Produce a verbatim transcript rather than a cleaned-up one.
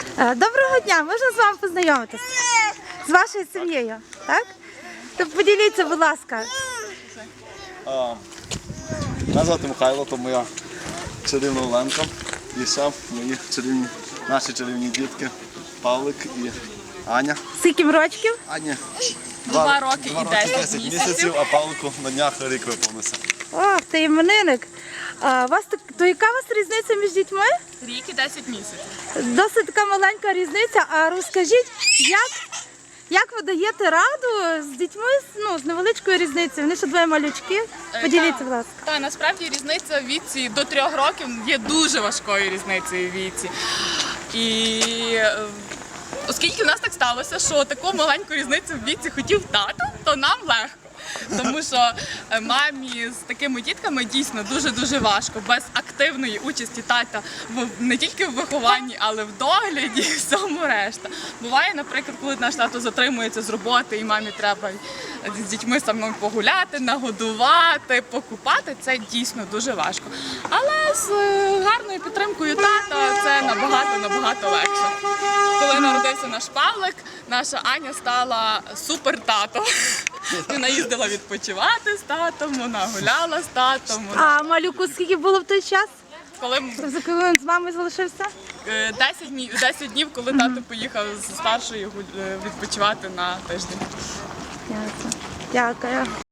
Доброго дня, можна з вами познайомитися? З вашою сім'єю, так? То поділіться, будь ласка. А, Мене звати Михайло, то моя чарівна Оленка. І ще мої чарівні, наші чарівні дітки Павлик і Аня. Скільки рочків? Аня Два роки і десять місяців, а Павлику на днях рік виповнився. Ох, ти іменинник. А, вас так, то яка у вас різниця між дітьми? Рік і десять місяців. Досить така маленька різниця. А розкажіть, як, як ви даєте раду з дітьми ну, з невеличкою різницею? Вони ще двоє малючки. Поділіться, будь ласка. Так, насправді різниця в віці до трьох років є дуже важкою різницею в віці. І е, оскільки в нас так сталося, що таку маленьку різницю в віці хотів тато, то нам легко. Тому що мамі з такими дітками дійсно дуже-дуже важко. Без активної участі тата в, не тільки в вихованні, але в догляді і всьому решта. Буває, наприклад, коли наш тато затримується з роботи і мамі треба з дітьми самому погуляти, нагодувати, покупати, це дійсно дуже важко. Але з гарною підтримкою тата це набагато-набагато легше. Коли народився наш Павлик, наша Аня стала супер-тато. Вона їздила відпочивати з татом, вона гуляла з татом. Вона... А малюку скільки було в той час? Коли За коли він з мамою залишився? десять днів, коли тато поїхав з старшою відпочивати на тиждень. Дякую.